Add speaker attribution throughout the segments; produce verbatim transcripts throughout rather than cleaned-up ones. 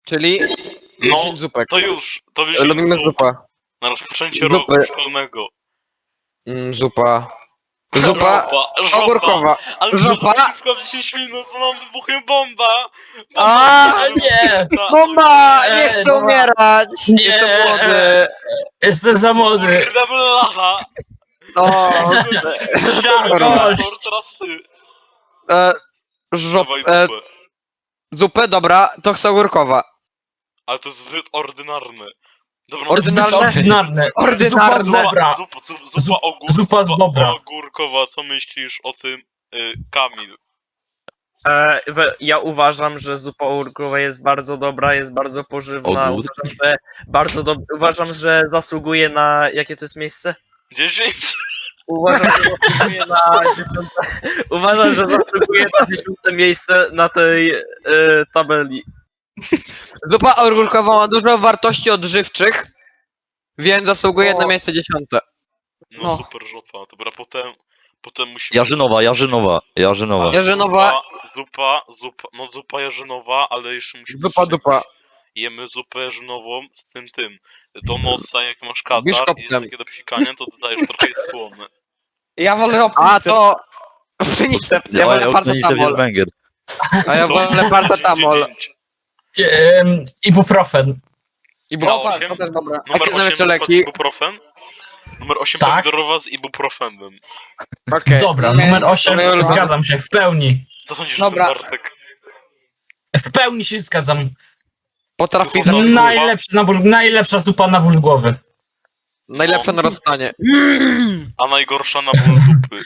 Speaker 1: Czyli
Speaker 2: No,
Speaker 1: dziesięć zupek.
Speaker 2: to już, to już
Speaker 1: Lubimy
Speaker 2: jest zup.
Speaker 1: zupę.
Speaker 2: Na rozpoczęcie
Speaker 1: Zupy.
Speaker 2: roku szkolnego.
Speaker 1: Mm, zupa. Zupa
Speaker 2: Żopa, żopa.
Speaker 1: ogórkowa.
Speaker 2: Ale
Speaker 1: Żopa.
Speaker 2: żopa szybko w dziesięć minut, bo nam wybuchnie bomba.
Speaker 1: A,
Speaker 2: Bomba!
Speaker 3: nie.
Speaker 2: Ta-
Speaker 1: Bomba! Nie
Speaker 3: Ej,
Speaker 1: chcę
Speaker 3: dobra.
Speaker 1: umierać!
Speaker 3: Nie.
Speaker 1: Jestem młody.
Speaker 3: Jestem za młody.
Speaker 2: Kurde blacha!
Speaker 1: O,
Speaker 3: Siarkość.
Speaker 2: Teraz ty.
Speaker 1: e, żop,
Speaker 2: Dawaj
Speaker 1: e,
Speaker 2: zupę.
Speaker 1: zupę, dobra, to chcę ogórkowa.
Speaker 2: Ale to jest zbyt ordynarne. Dobra,
Speaker 1: Ordynarne?
Speaker 3: Ordynarne.
Speaker 1: Ordynarne.
Speaker 3: Zupa z bobra.
Speaker 2: Zupa, zupa, zupa,
Speaker 3: Zup-
Speaker 2: ogór,
Speaker 3: zupa z bobra.
Speaker 2: ogórkowa. Co myślisz o tym, y, Kamil?
Speaker 4: E, we- ja uważam, że zupa ogórkowa jest bardzo dobra, jest bardzo pożywna.
Speaker 5: Ogór?
Speaker 4: Uważam, że bardzo dob- uważam, że zasługuje na. Jakie to jest miejsce?
Speaker 2: dziesięć?
Speaker 4: Uważam, że zasługuje na dziesiąte, uważam, że zasługuje na dziesiąte miejsce na tej e, tabeli.
Speaker 1: Zupa ogórkowa ma dużo wartości odżywczych, więc zasługuje
Speaker 4: O.
Speaker 1: na miejsce dziesiąte.
Speaker 2: No,
Speaker 1: No.
Speaker 2: super żopa. Dobra, potem, potem musimy...
Speaker 5: Jarzynowa, Jarzynowa, Jarzynowa.
Speaker 1: Jarzynowa,
Speaker 2: Zupa, zupa, no zupa jarzynowa, ale jeszcze musimy...
Speaker 1: zupa dupa.
Speaker 2: Jemy zupę jarzynową z tym, tym. Do nosa, jak masz katar i
Speaker 1: Biszkoptem.
Speaker 2: jest takie do psikania, to dodajesz trochę jest słone.
Speaker 6: Ja wolę
Speaker 1: A to... Pszenicep, ja wolę
Speaker 5: Unicef jest
Speaker 1: paracetamol.
Speaker 5: banger.
Speaker 1: A ja
Speaker 2: Co?
Speaker 1: wolę paracetamol.
Speaker 2: dziewięć.
Speaker 3: Em, Ibuprofen.
Speaker 1: I
Speaker 2: No,
Speaker 1: bo...
Speaker 2: osiem.
Speaker 6: to też dobre.
Speaker 2: Numer
Speaker 1: Jakie są jeszcze
Speaker 2: osiem
Speaker 1: leki?
Speaker 2: ibuprofen. Numer osiem
Speaker 3: Tak.
Speaker 2: pomidorowa z ibuprofenem.
Speaker 1: Okej.
Speaker 3: Dobra,
Speaker 6: Nie,
Speaker 3: numer osiem.
Speaker 1: to ja-
Speaker 3: Zgadzam się, w pełni.
Speaker 2: Co sądzisz
Speaker 6: Dobra.
Speaker 2: o tym, Bartek?
Speaker 3: W pełni się zgadzam.
Speaker 1: Potrafi
Speaker 2: No,
Speaker 1: zrobić
Speaker 2: zupa.
Speaker 3: Najlepszy nabór, najlepsza zupa na ból głowy.
Speaker 1: najlepsze narastanie.
Speaker 2: A najgorsza na ból dupy.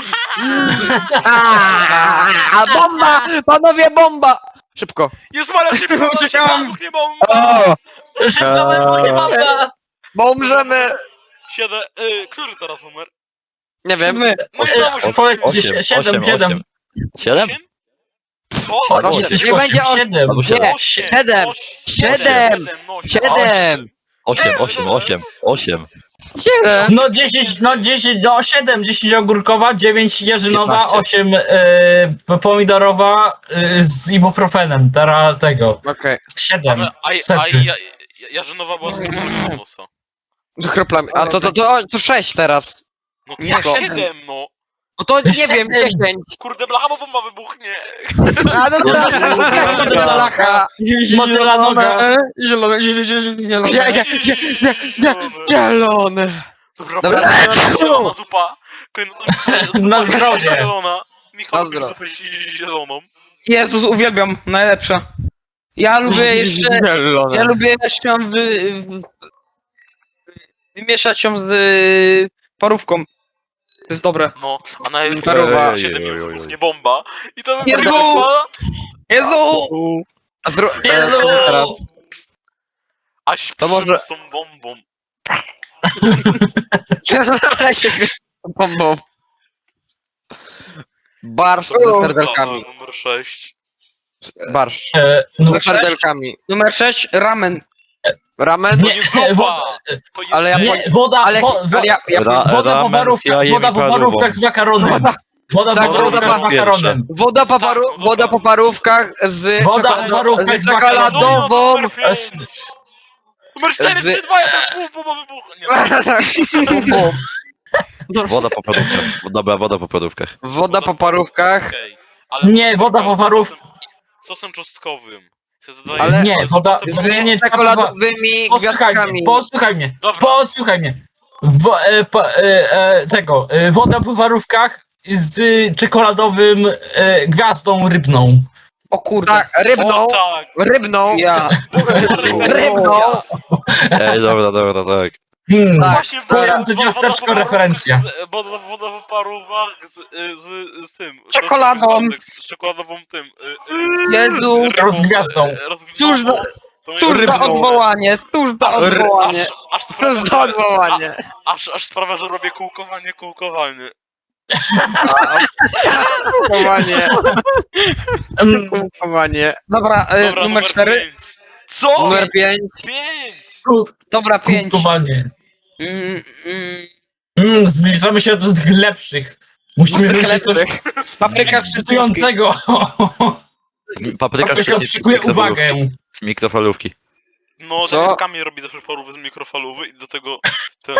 Speaker 1: A bomba! Panowie, bomba! Szybko.
Speaker 2: Jest Maria szybko,
Speaker 6: Uciekam.
Speaker 2: nie bomba!
Speaker 1: O,
Speaker 3: Szybko wybuchnie bomba!
Speaker 1: bo umrzemy.
Speaker 2: Siedem, y, który teraz numer?
Speaker 1: Nie wiem.
Speaker 6: My.
Speaker 2: No i
Speaker 3: Osiem,
Speaker 2: znowu się
Speaker 3: powiedz
Speaker 5: Osiem,
Speaker 3: gdzieś,
Speaker 5: osiem,
Speaker 3: siedem, siedem.
Speaker 5: osiem. Siedem?
Speaker 2: Osiem? Co?
Speaker 3: O,
Speaker 5: Osiem.
Speaker 3: jesteś
Speaker 1: Nie
Speaker 3: osiem,
Speaker 1: będzie osiem.
Speaker 3: siedem.
Speaker 5: Albo siedem.
Speaker 1: Nie,
Speaker 2: Osiem,
Speaker 1: siedem,
Speaker 2: osiem,
Speaker 1: siedem,
Speaker 2: no,
Speaker 1: Siedem!
Speaker 5: Osiem, osiem, osiem, osiem.
Speaker 1: Siedem!
Speaker 3: No dziesięć, no dziesięć, no siedem, dziesięć ogórkowa, dziewięć jarzynowa,
Speaker 5: piętnaście.
Speaker 3: osiem e, pomidorowa e, z ibuprofenem, teraz tego.
Speaker 1: Okej.
Speaker 3: siedem.
Speaker 2: Ale, a, a,
Speaker 3: Setny.
Speaker 2: ja, ja, Jarzynowa była z kroplami nosa.
Speaker 1: Do kroplami. A to, to, to, to sześć teraz.
Speaker 2: No to
Speaker 6: Nie,
Speaker 2: jak
Speaker 6: siedem.
Speaker 2: siedem, no.
Speaker 1: No to nie wiem,
Speaker 3: Siedem.
Speaker 1: dziesięć.
Speaker 2: Kurde, blacha, bo bomba wybuchnie.
Speaker 1: A no to jak to jest blacha?
Speaker 3: Motyla noga.
Speaker 6: Zielone, zielone, zielone, zielone.
Speaker 1: Nie, nie, nie, nie, nie, zielony.
Speaker 2: Dobra,
Speaker 1: Dobra,
Speaker 2: kolejna
Speaker 1: let's go.
Speaker 2: zielona zupa. Kolejna zupa
Speaker 3: Na zdrowie.
Speaker 2: zielona. Michał
Speaker 1: Na
Speaker 2: lubi
Speaker 1: zdrowie.
Speaker 2: zupę zi- zieloną.
Speaker 6: Jezus, uwielbiam, najlepsza. Ja lubię jeszcze,
Speaker 1: Zielony.
Speaker 6: ja lubię jeszcze ją wy, wy, wymieszać ją z y, parówką. To jest dobre.
Speaker 2: No, a najlepiej
Speaker 1: Paruwa.
Speaker 2: jest siedem
Speaker 5: Ej, oj,
Speaker 2: minut
Speaker 5: oj, oj.
Speaker 2: wybuchnie bomba. I to
Speaker 6: Jezu!
Speaker 2: wybuchnie bomba.
Speaker 6: Jezu!
Speaker 1: A zro... e,
Speaker 3: Jezu!
Speaker 1: teraz.
Speaker 2: Aż
Speaker 1: To
Speaker 2: to
Speaker 1: może-
Speaker 2: z tą bombą.
Speaker 1: Ale się wiesz tą bombą. Barszcz ze serdelkami.
Speaker 2: Dobra, numer sześć.
Speaker 1: Barszcz.
Speaker 3: E, no,
Speaker 1: Ze serdelkami.
Speaker 6: Numer sześć, ramen.
Speaker 1: Ramen?
Speaker 2: To
Speaker 3: Nie,
Speaker 2: nie
Speaker 3: wo-
Speaker 2: zupa! To jest
Speaker 1: ale ja
Speaker 3: nie, woda,
Speaker 1: Ale,
Speaker 3: wo, wo,
Speaker 1: ale ja, ja
Speaker 5: Ra-
Speaker 3: woda po
Speaker 5: ramen z
Speaker 3: parówkach,
Speaker 5: jajem
Speaker 3: woda
Speaker 5: i
Speaker 3: po
Speaker 5: parówką.
Speaker 3: parówkach z makaronem. Woda
Speaker 1: Tak,
Speaker 3: po
Speaker 1: woda
Speaker 3: parówkach z
Speaker 5: po-
Speaker 3: makaronem.
Speaker 1: Woda po, paru...
Speaker 2: Tak, no
Speaker 1: woda
Speaker 2: dobra.
Speaker 1: po parówkach z,
Speaker 3: Woda
Speaker 1: czekol-
Speaker 3: po parówkach
Speaker 1: z
Speaker 3: z makaronem.
Speaker 1: czekoladową.
Speaker 2: Numer pięć. Numer cztery,
Speaker 1: Z-
Speaker 2: trzy, dwa, jeden, pół, bomba wybuchnie.
Speaker 5: Woda po parówkach. Dobra, woda po parówkach.
Speaker 1: Woda po parówkach.
Speaker 2: Okej, ale
Speaker 3: Nie, woda po
Speaker 2: z
Speaker 3: parów-
Speaker 2: sosem- Sosem czosnkowym. Się zadaje-
Speaker 1: Ale-
Speaker 3: Nie, woda-
Speaker 2: Sosem-
Speaker 3: nie,
Speaker 1: Z czekoladowymi
Speaker 3: Posłuchaj
Speaker 1: gwiazdkami.
Speaker 3: mnie, posłuchaj mnie,
Speaker 2: Dobra.
Speaker 3: posłuchaj mnie. Wo, e, po, e, e, tego, e, woda po parówkach z czekoladowym e, gwiazdą rybną.
Speaker 6: O kurde.
Speaker 1: Tak, rybną.
Speaker 2: O tak!
Speaker 1: Rybną.
Speaker 6: Ja.
Speaker 1: Rybną.
Speaker 5: Ej, dobra, dobra, tak.
Speaker 3: Hmm.
Speaker 1: Tak.
Speaker 2: Właśnie
Speaker 3: kojarzące
Speaker 2: woda-
Speaker 3: ciasteczko
Speaker 2: woda po parówkach
Speaker 3: referencja.
Speaker 2: z- Woda, woda po parówkach z, z, z tym.
Speaker 6: Czekoladą.
Speaker 2: Z czekoladową tym. y, y,
Speaker 6: Jezu.
Speaker 2: rybą,
Speaker 3: Rozgwiazdą.
Speaker 2: y, rozgwiazdą.
Speaker 6: Cóż za-
Speaker 2: To jest
Speaker 6: Cóż za
Speaker 2: rybną.
Speaker 6: odwołanie, cóż za
Speaker 1: R-
Speaker 6: odwołanie.
Speaker 2: Aż, aż
Speaker 1: To
Speaker 2: sprawia,
Speaker 1: jest
Speaker 2: że-
Speaker 1: odwołanie.
Speaker 2: Aż, aż sprawia, że robię kółkowanie, kółkowanie.
Speaker 1: Kółkowanie.
Speaker 3: Mm,
Speaker 1: Kółkowanie.
Speaker 6: Dobra, y,
Speaker 2: Dobra,
Speaker 6: numer cztery.
Speaker 2: pięć. Co?
Speaker 1: Numer pięć.
Speaker 2: pięć!
Speaker 6: Dobra, pięć.
Speaker 3: Kupowanie.
Speaker 6: Mm, mm,
Speaker 3: Mm, zbliżamy się do tych lepszych. Musimy wymyślić coś
Speaker 6: papryka z cytryńskiej.
Speaker 3: ekscytującego.
Speaker 5: Papryka
Speaker 3: Ktoś
Speaker 5: świetnie z
Speaker 3: odszykuje
Speaker 5: mikrofalówki.
Speaker 3: uwagę.
Speaker 5: Z mikrofalówki.
Speaker 2: No,
Speaker 1: Co?
Speaker 2: tak jak Kamil robi zawsze parówy z mikrofalowy i do tego ten...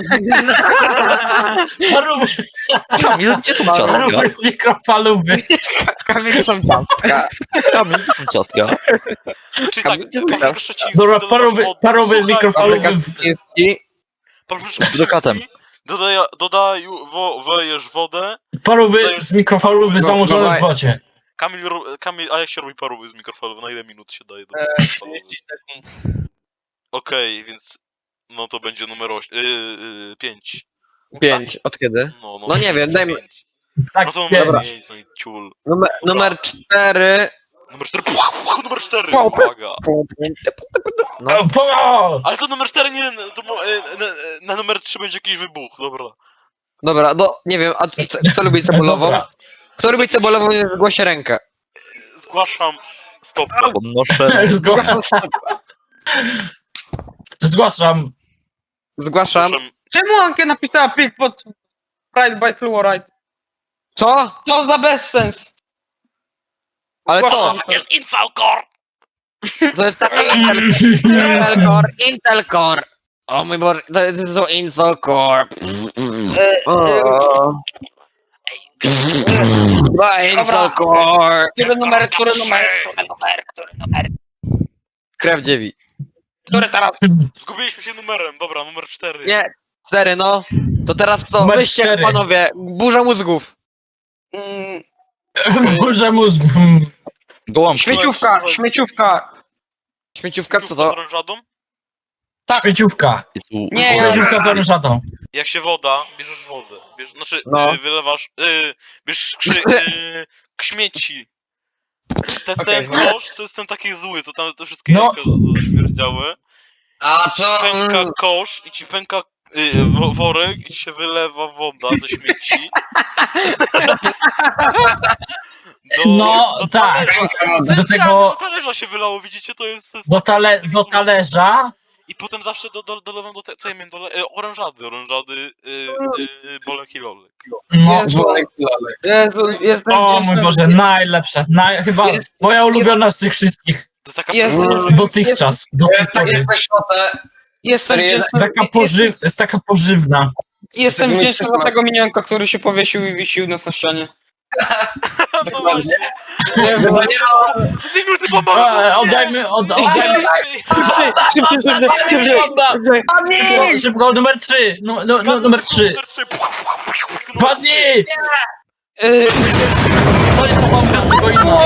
Speaker 3: Parówy,
Speaker 5: Kamil, gdzie są ciastka?
Speaker 3: parówy z mikrofalowy.
Speaker 1: Kamil są ciastka.
Speaker 5: Kamil, gdzie są ciastka?
Speaker 2: Czyli tak,
Speaker 1: Kamil,
Speaker 2: papryka przeciwki,
Speaker 3: Dobra,
Speaker 2: dodawasz
Speaker 3: parówy,
Speaker 2: wodę.
Speaker 3: parówy z
Speaker 2: Słuchaj,
Speaker 3: mikrofalowy.
Speaker 1: Kaczyński.
Speaker 2: Papryka
Speaker 5: Z brokatem.
Speaker 2: przeciwki, Dodaj, dodaj, wo, wejesz wodę.
Speaker 3: Parówy z mikrofalowy
Speaker 1: No,
Speaker 3: zamoczone
Speaker 1: dawaj.
Speaker 3: w wodzie.
Speaker 2: Kamil, ro- Kamil, a jak się robi parówy z mikrofalowy? Na ile minut się daje do
Speaker 4: Eee,
Speaker 2: mikrofalowy?
Speaker 4: trzydzieści sekund.
Speaker 2: Okej, więc... No to będzie numer osiem, yy, yy, pięć.
Speaker 1: Pięć. Od kiedy?
Speaker 2: No, no,
Speaker 1: No nie wiem, dajmy-
Speaker 2: pięć.
Speaker 3: Tak,
Speaker 2: No to
Speaker 3: wiem.
Speaker 2: numer pięć, no i ciul.
Speaker 1: Numer, numer cztery.
Speaker 2: Numer cztery, puch, puch, numer cztery,
Speaker 1: Pau,
Speaker 2: uwaga.
Speaker 1: No.
Speaker 3: O, po!
Speaker 2: Ale to numer cztery nie, to mo- e, na, na numer trzy będzie jakiś wybuch, dobra.
Speaker 1: Dobra, no nie wiem, a co, kto lubi cebulową?
Speaker 3: Dobra.
Speaker 1: Kto lubi cebulową, nie zgłosi rękę.
Speaker 2: Zgłaszam stop.
Speaker 5: Podnoszę.
Speaker 3: Zgłaszam. Zgłaszam.
Speaker 1: Zgłaszam.
Speaker 2: Zgłaszam.
Speaker 6: Czemu Ankę napisała pik pod Pride by Fluoride?
Speaker 1: Co?
Speaker 6: To za bezsens.
Speaker 1: Ale co?
Speaker 6: Zgłaszam.
Speaker 2: Jest Infalcore!
Speaker 1: To jest taki Intel, Intel Core, Intel Core. O mój Boże, to jest so Intel Core. O. Dwa Intel Core.
Speaker 6: Który numer, który numer, który numer, który numer?
Speaker 1: Krew dziewi.
Speaker 6: Który teraz?
Speaker 2: Zgubiliśmy się numerem, dobra, numer cztery.
Speaker 1: Nie, cztery no. To teraz co?
Speaker 3: Numer
Speaker 1: Wyście
Speaker 3: cztery.
Speaker 1: panowie, burza mózgów.
Speaker 6: Mm,
Speaker 3: Burza mózgu.
Speaker 5: Gołąbki.
Speaker 6: śmieciówka, śmieciówka.
Speaker 1: Śmieciówka, co
Speaker 2: Z
Speaker 1: to?
Speaker 2: orężadą?
Speaker 3: Śmieciówka.
Speaker 5: Jest u-
Speaker 6: Nie, ja-
Speaker 3: Śmieciówka z orężatą.
Speaker 2: Jak się woda, bierzesz wodę. Bierz, znaczy,
Speaker 1: No.
Speaker 2: y, wylewasz, y, bierzesz krzy, y, śmieci. Ten,
Speaker 1: Okej.
Speaker 2: ten kosz, to jest ten taki zły, to tam te wszystkie
Speaker 3: No.
Speaker 2: jajka zaśmierdziały.
Speaker 1: A
Speaker 2: I ci pęka kosz, i ci pęka y, wo- worek, i ci się wylewa woda ze śmieci. Do,
Speaker 3: No,
Speaker 2: do
Speaker 3: tak.
Speaker 2: talerza.
Speaker 3: Do tego,
Speaker 2: Do talerza się wylało, widzicie, to jest... To jest
Speaker 3: do, tale, do talerza.
Speaker 2: I potem zawsze do, do, dolewam do te, co ja miałem, dole, e, orężady, orężady, y, y, bolek i lolek.
Speaker 3: No.
Speaker 6: Jezu, Jezu, jestem
Speaker 3: O mój
Speaker 6: wdzięczny.
Speaker 3: Boże, najlepsza. Naj, chyba
Speaker 6: Jest-
Speaker 3: moja ulubiona z tych wszystkich.
Speaker 2: To jest taka
Speaker 6: Jest-
Speaker 2: pyszna rzecz.
Speaker 3: Dotychczas. Do tej pory.
Speaker 6: Jestem
Speaker 1: Serio?
Speaker 6: wdzięczny,
Speaker 3: Taka pożyw, jest taka pożywna.
Speaker 6: jestem
Speaker 1: Taki
Speaker 6: wdzięczny
Speaker 1: smak.
Speaker 6: za tego minionka, który się powiesił i wisił nas na ścianie.
Speaker 2: No właśnie. Zimur, ty
Speaker 3: E,
Speaker 2: bomba!
Speaker 3: oddajmy, od, oddajmy.
Speaker 6: Szybciej, szybciej, szybciej, szybciej, szybciej.
Speaker 3: Szybko, szybko, numer trzy. No, no, no, numer trzy.
Speaker 2: Numer trzy.
Speaker 3: Padnij!
Speaker 6: Y,
Speaker 3: To nie pomogę, tylko inna.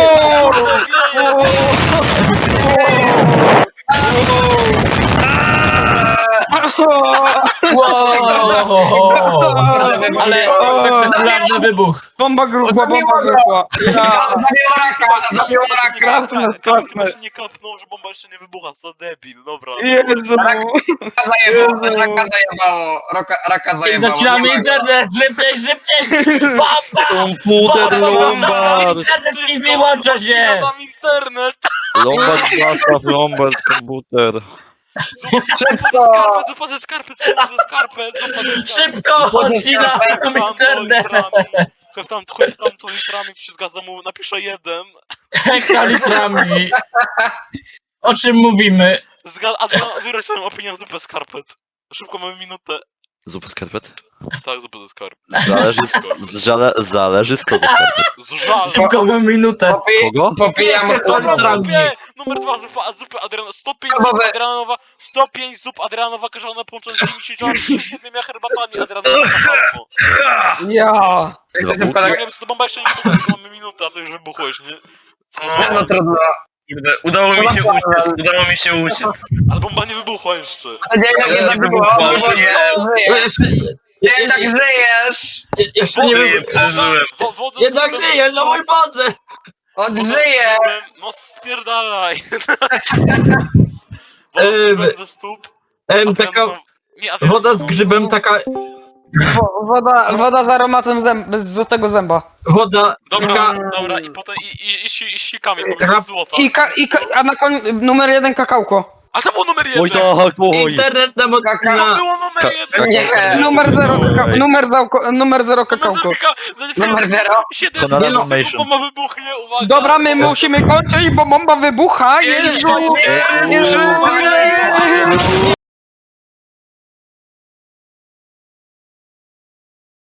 Speaker 3: Wow! Ale spektakularny wybuch.
Speaker 6: Bomba gruchła, bomba gruchła. Ja,
Speaker 1: Zabiła raka!
Speaker 6: klasne, klasne.
Speaker 2: Jeszcze nie kapnął, że bomba jeszcze nie wybucha, co debil, dobra.
Speaker 6: Jezu.
Speaker 1: Raka zajebało, raka zajebało, raka, raka zajebało.
Speaker 3: Zaczynamy
Speaker 1: Nie ma go.
Speaker 3: internet, szybciej, szybciej! Papa!
Speaker 5: Komputer Lombard!
Speaker 3: Internet mi wyłącza się!
Speaker 2: Mam internet!
Speaker 5: Lombard, zastaw Lombard, komputer.
Speaker 2: Skarpet, zupa ze skarpet, zupa ze skarpet, zupa ze skarpet.
Speaker 3: Szybko, odcinam internet!
Speaker 2: Chłop tam, chłop tam to litrami się zgadza mu, napiszę jeden.
Speaker 3: Hektolitrami. O czym mówimy?
Speaker 2: Zgad... Adrian, wyroś swoją opinię na zupę skarpet. Szybko, mamy minutę.
Speaker 5: Zupę skarpet?
Speaker 2: Tak, zupę ze skarpet.
Speaker 5: Zależy, z, z, żale, zależy z kogo skarpet.
Speaker 2: Z żalem.
Speaker 3: Szybko, mam minutę.
Speaker 1: Popi-
Speaker 5: Kogo?
Speaker 1: Popijam
Speaker 3: Hektolitrami.
Speaker 2: Nie, numer dwa, zupa, zupa Adriana, sto pięć
Speaker 1: Kawowe.
Speaker 2: zup Adrianowa, sto pięć zup Adrianowa każona połączona z dziewięćdziesięcioma siedmioma herbatami Adrianowa.
Speaker 6: Ja.
Speaker 5: Dwa
Speaker 2: Ja
Speaker 5: buty?
Speaker 2: nie wiem, co to bomba jeszcze nie wybuchła, tylko mamy minutę, a to już wybuchłeś, nie? Co to?
Speaker 1: No trudno.
Speaker 4: Kurde, udało mi się uciec, udało mi się uciec.
Speaker 2: Ale bomba nie wybuchła jeszcze.
Speaker 1: Nie, nie, nie zabiło.
Speaker 4: wybuchło,
Speaker 1: Nie,
Speaker 4: nie.
Speaker 3: Jeszcze,
Speaker 1: nie, tak żyjesz.
Speaker 3: jeszcze nie
Speaker 4: Wodę
Speaker 3: wiem.
Speaker 4: przeżyłem.
Speaker 2: Wo- wodę
Speaker 3: Jednak
Speaker 2: z-
Speaker 3: żyjesz, o mój Boże!
Speaker 1: On
Speaker 2: wodę z
Speaker 1: żyje.
Speaker 2: grzybem, No spierdalaj. Woda z
Speaker 3: Eee,
Speaker 2: grzybem ze stóp.
Speaker 3: Em,
Speaker 2: Adrian,
Speaker 3: taka
Speaker 2: no- nie, Adrian,
Speaker 3: woda z grzybem, taka
Speaker 6: Wo- Woda, woda z aromatem zęb, z złotego zęba.
Speaker 3: woda,
Speaker 2: Dobra,
Speaker 3: taka,
Speaker 2: dobra, i potem i, i, i, si- i sikami, bo
Speaker 3: Taka-
Speaker 2: jest złota.
Speaker 6: I, ka, i ka, a na koniec numer jeden kakałko.
Speaker 2: A to było numer jeden!
Speaker 5: Oj tak, oj.
Speaker 3: Internet na
Speaker 2: To
Speaker 3: motyna.
Speaker 2: było numer
Speaker 5: Ka-
Speaker 2: jeden!
Speaker 1: Nie.
Speaker 6: Numer zero, kaka-
Speaker 5: Oj.
Speaker 6: numer, załko, numer zero kakałko.
Speaker 1: Numer zero?
Speaker 2: siedem,
Speaker 5: Konrad
Speaker 2: nie no,
Speaker 5: Animation.
Speaker 2: bomba wybuchnie, uwaga!
Speaker 6: Dobra, my musimy kończyć, bo bomba wybucha. Jezu!
Speaker 1: Nie,
Speaker 6: Jezu!
Speaker 1: nie,